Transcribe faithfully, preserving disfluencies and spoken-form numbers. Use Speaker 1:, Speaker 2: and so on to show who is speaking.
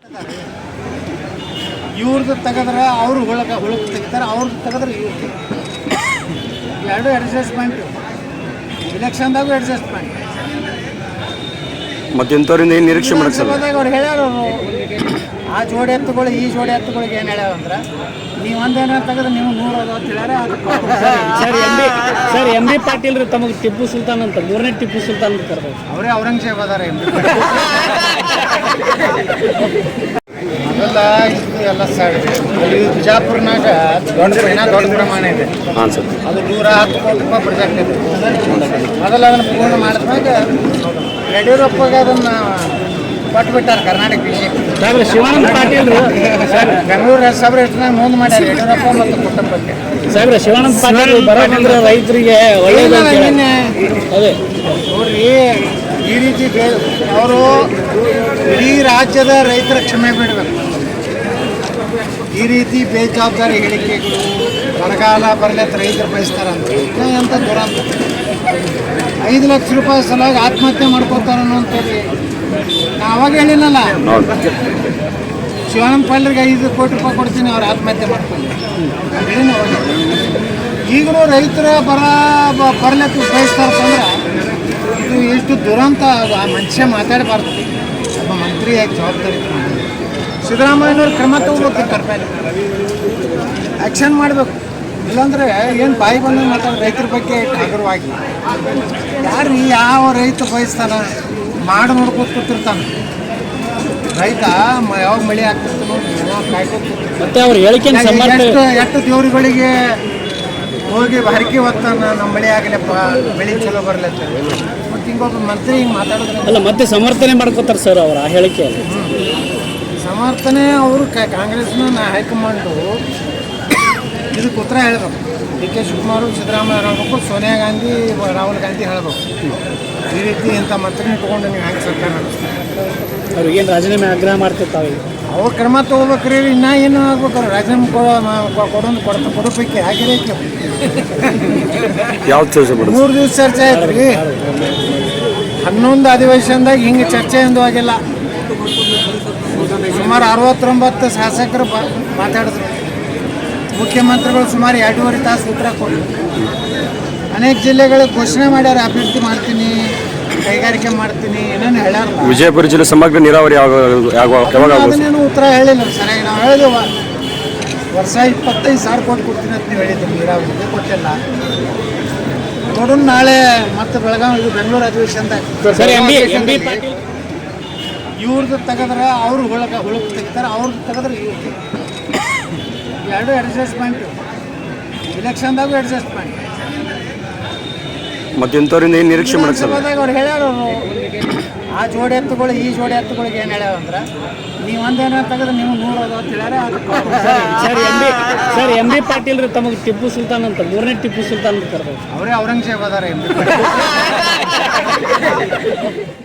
Speaker 1: ಇವ್ರದ್ದು ತೆಗೆದ್ರೆ ಅವರು ಹುಳಕ ಹುಳಕ್ಕೆ ತೆಗಿತಾರೆ, ಅವ್ರದ್ದು ತೆಗೆದ್ರೆ ಇವ್ರದ್ದು ಎರಡು ಅಡ್ಜಸ್ಟ್ಮೆಂಟು. ಇಲೆಕ್ಷನ್ದಾಗೂ ಅಡ್ಜಸ್ಟ್ಮೆಂಟ್.
Speaker 2: ಮತ್ತೆ ಇಂಥವ್ರಿಂದ ಏನು ನಿರೀಕ್ಷೆ ಮಾಡಕ್ಕೆ ಸರ್?
Speaker 1: ಅವ್ರು ಹೇಳ್ಯಾರ ಅವರು ಆ ಜೋಡಿ ಎತ್ತುಗಳು ಈ ಜೋಡಿ ಎತ್ತುಗಳಿಗೆ ಏನು ಹೇಳ್ಯಾವ ಅಂದ್ರೆ ನೀವು ಒಂದೇನ ತೆಗೆದ್ರೆ ನೀವು ನೂರು ಅದ ಅಂತ ಹೇಳ್ಯಾರ.
Speaker 3: Sir M B sir M B Patil ರೀ ತಮಗೆ ಟಿಪ್ಪು ಸುಲ್ತಾನ್ ಅಂತ ಮೂರನೇ ಟಿಪ್ಪು ಸುಲ್ತಾನ್ ಅಂತ ಕರೆದ್ರು.
Speaker 1: ಅವರೇ ಔರಂಗಜೇಬ್ ಅದಾರ ಎಂ ಬಿ ಮೊದಲ ಇದು ಎಲ್ಲ ಸೈಡ್ ಅಲ್ಲಿ ಬಿಜಾಪುರ್ನಾಗ ದೊಡ್ಡ ಏನೋ ದೊಡ್ಡ ಪ್ರಮಾಣ ಇದೆ.
Speaker 2: ಹಾಂ ಸರ್.
Speaker 1: ಅದು ನೂರ ಹತ್ತು ಕೋಟಿ ರೂಪಾಯಿ ಪ್ರಾಜೆಕ್ಟ್ ಇದೆ. ಮೊದಲು ಅದನ್ನು ಪೂರ್ಣ ಮಾಡಿದ್ಮ್ಯಾಗ ಯಡಿಯೂರಪ್ಪಗೆ ಅದನ್ನು ಕೊಟ್ಬಿಟ್ಟಾರೆ ಕರ್ನಾಟಕ ವಿಷಯ.
Speaker 3: ಶಿವಾನಂದ ಪಾಟೀಲ್
Speaker 1: ಬೆಂಗಳೂರು ಸಭೆ ಎಷ್ಟು ಮುಂದೆ ಮಾಡ್ಯಾರ ಯಡಿಯೂರಪ್ಪ ಮತ್ತು ಕುಟುಂಬಕ್ಕೆ.
Speaker 3: ಸಾಹೇಬ್ರ ಶಿವಾನಂದ ಪಾಟೀಲ್ ಬರೋದಂದ್ರೆ ರೈತರಿಗೆ ಒಳ್ಳೆಯದು. ಅದೇ
Speaker 1: ನೋಡ್ರಿ, ಈ ರೀತಿ ಬೇ ಅವರು ಇಡೀ ರಾಜ್ಯದ ರೈತರ ಕ್ಷಮೆ ಬಿಡಬೇಕು. ಈ ರೀತಿ ಬೇಜವಾಬ್ದಾರಿ ಹೇಳಿಕೆಗಳು ಬರಗಾಲ ಬರಲತ್ತ ರೈತರು ಬಯಸ್ತಾರಂತ ಎಂಥ ದುರಂತ. ಐದು ಲಕ್ಷ ರೂಪಾಯಿ ಸಲುವಾಗಿ ಆತ್ಮಹತ್ಯೆ ಮಾಡ್ಕೋತಾರೆ ಅನ್ನೋಂಥದ್ದು ನಾ ಅವಾಗ ಹೇಳಿನಲ್ಲ. ಶಿವಾನಂದ ಪಾಟೀಲ್ಗೆ ಐದು ಕೋಟಿ ರೂಪಾಯಿ ಕೊಡ್ತೀನಿ, ಅವ್ರು ಆತ್ಮಹತ್ಯೆ ಮಾಡ್ಕೊಂಡು ಹೇಳಿನ ಅವಾಗ. ಈಗಲೂ ರೈತರ ಬರ ಬರಲತ್ತ ಬಯಸ್ತಾರಂದ್ರೆ ಇದು ಎಷ್ಟು ದುರಂತ. ಆ ಮನುಷ್ಯ ಮಾತಾಡಬಾರ್ದು. ಒಬ್ಬ ಮಂತ್ರಿಯಾಗಿ ಜವಾಬ್ದಾರಿ ಸಿದ್ದರಾಮಯ್ಯನವ್ರು ಕ್ರಮ ತಗೋಬೇಕು, ಕರ್ಮೇಲೆ ಆ್ಯಕ್ಷನ್ ಮಾಡಬೇಕು. ಇಲ್ಲಾಂದರೆ ಏನು ಬಾಯಿ ಬಂದು ಮಾತಾಡೋ ರೈತರ ಬಗ್ಗೆ ಹಗುರವಾಗಿ ಯಾರು ಯಾವ ರೈತ ಬಯಸ್ತಾನ ಮಾಡಿ ನೋಡ್ಕೊತ ಕೂತಿರ್ತಾನೆ. ರೈತ ಯಾವಾಗ ಮಳೆ ಆಗ್ತಿರ್ತಾನೋ ಯಾವಾಗ ಕಾಯ್ಕೊತ ಎಷ್ಟು ಎಷ್ಟು ದೇವ್ರುಗಳಿಗೆ ಹೋಗಿ ಹರಕೆ ಹೊತ್ತಾನ ನಮ್ಮ ಮಳೆ ಆಗಲಪ್ಪ, ಬೆಳೆ ಚಲೋ ಬರ್ಲತ್ತ. ಮತ್ತು ಹಿಂಗೊಬ್ಬ ಮಂತ್ರಿ ಹಿಂಗೆ ಮಾತಾಡೋದ್ರೆ
Speaker 3: ಅಲ್ಲ ಮತ್ತೆ ಸಮರ್ಥನೆ ಮಾಡ್ಕೋತಾರೆ ಸರ್ ಅವ್ರ ಆ ಹೇಳಿಕೆ.
Speaker 1: ಸಮರ್ಥನೆ ಅವರು ಕಾಂಗ್ರೆಸ್ನ ಹೈಕಮಾಂಡು ಇದಕ್ಕೆ ಉತ್ತರ ಹೇಳಬೇಕು. ಡಿ ಕೆ ಶಿವಕುಮಾರ್ ಸಿದ್ದರಾಮಯ್ಯ ಹೇಳಬೇಕು, ಸೋನಿಯಾ ಗಾಂಧಿ ರಾಹುಲ್ ಗಾಂಧಿ ಹೇಳಬೇಕು. ಈ ರೀತಿ ಇಂಥ ಮಂತ್ರಿ ಇಟ್ಕೊಂಡು ನೀವು ಹೆಂಗೆ ಸರ್ಕಾರ ನಡೆಸ್ತಾರೆ?
Speaker 3: ಅವ್ರಿಗೇನು ರಾಜೀನಾಮೆ ಆಗ್ರಹ ಮಾಡ್ತಿರ್ತಾವೆ.
Speaker 1: ಅವ್ರು ಕ್ರಮ ತೊಗೋಬೇಕ್ರಿ. ಇನ್ನೂ ಏನು ಆಗ್ಬೇಕು? ಅವ್ರು ರಾಜೀನಾಮೆ ಕೊಡೋದು ಕೊಡ್ತಾ ಕೊಡೋದಕ್ಕೆ ಆಗಿರೈತಿ.
Speaker 2: ಯಾವ ಚರ್ಚೆ
Speaker 1: ಮೂರು ದಿವಸ ಚರ್ಚೆ ಆಯ್ತು ರೀ. ಹನ್ನೊಂದು ಅಧಿವೇಶನದಾಗ ಹಿಂಗೆ ಚರ್ಚೆ ಎಂದು ಆಗಿಲ್ಲ. ಸುಮಾರು ಅರವತ್ತೊಂಬತ್ತು ಶಾಸಕರು ಬ ಮಾತಾಡಿದ್ರು. ಮುಖ್ಯಮಂತ್ರಿಗಳು ಸುಮಾರು ಎರಡೂವರೆ ತಾಸು ಉತ್ತರ ಕೊಟ್ಟರು. ಅನೇಕ ಜಿಲ್ಲೆಗಳಿಗೆ ಘೋಷಣೆ ಮಾಡ್ಯಾರ, ಅಭಿವೃದ್ಧಿ ಮಾಡ್ತೀನಿ, ಕೈಗಾರಿಕೆ ಮಾಡ್ತೀನಿ, ಏನೇನು ಹೇಳ್ಯಾರ.
Speaker 2: ವಿಜಯಪುರ ಜಿಲ್ಲೆ ಸಮಗ್ರ ನೀರಾವರಿ
Speaker 1: ಅದನ್ನೇನು ಉತ್ತರ ಹೇಳಿಲ್ಲ ಸರಿಯಾಗಿ. ನಾವು ಹೇಳಿದೆವು ವರ್ಷ ಇಪ್ಪತ್ತೈದು ಸಾವಿರ ಕೋಟಿ ಕೊಡ್ತೀನಿ ಅಂತ ನೀವು ಹೇಳಿದ್ದೀವಿ, ನೀರಾವರಿಗೆ ಕೊಟ್ಟಿಲ್ಲ. ನೋಡೋಣ ನಾಳೆ ಮತ್ತೆ ಬೆಳಗಾವಿ ಇದು ಬೆಂಗಳೂರು ಅಧಿವೇಶನದಾಗ ಇವ್ರದ್ದು ತೆಗೆದ್ರೆ ಅವರು ಹುಳಕ ಹುಳಕ್ಕೆ ತೆಗಿತಾರೆ, ಅವ್ರದ್ದು ತೆಗೆದ್ರೆ ಇವ್ರದ್ದು ಎರಡು ಅಡ್ಜಸ್ಟ್ಮೆಂಟು. ಇಲೆಕ್ಷನ್ದಾಗೂ ಅಡ್ಜಸ್ಟ್ಮೆಂಟ್.
Speaker 2: ಮತ್ತೆ ಇಂಥವ್ರಿಂದ ಏನು ನಿರೀಕ್ಷೆ ಮಾಡಕ್ಕೆ ಸರ್?
Speaker 1: ಅವ್ರು ಹೇಳ್ಯಾರ ಅವರು ಆ ಜೋಡಿ ಎತ್ತುಗಳು ಈ ಜೋಡಿ ಎತ್ತುಗಳಿಗೆ ಏನು ಹೇಳ್ಯಾವ ಅಂದ್ರೆ ನೀವು ಒಂದೇನ ತೆಗೆದ್ರೆ ನೀವು ನೂರು ಅದ ಅಂತ ಹೇಳ್ಯಾರ.
Speaker 3: Sir M B sir M B Patil ರೀ ತಮಗೆ ಟಿಪ್ಪು ಸುಲ್ತಾನ್ ಅಂತ ಮೂರನೇ ಟಿಪ್ಪು ಸುಲ್ತಾನ್ ಅಂತ ಕರೆದ್ರು.
Speaker 1: ಅವರೇ ಔರಂಗಜೇಬ್ ಅದಾರ ಎಂ ಬಿ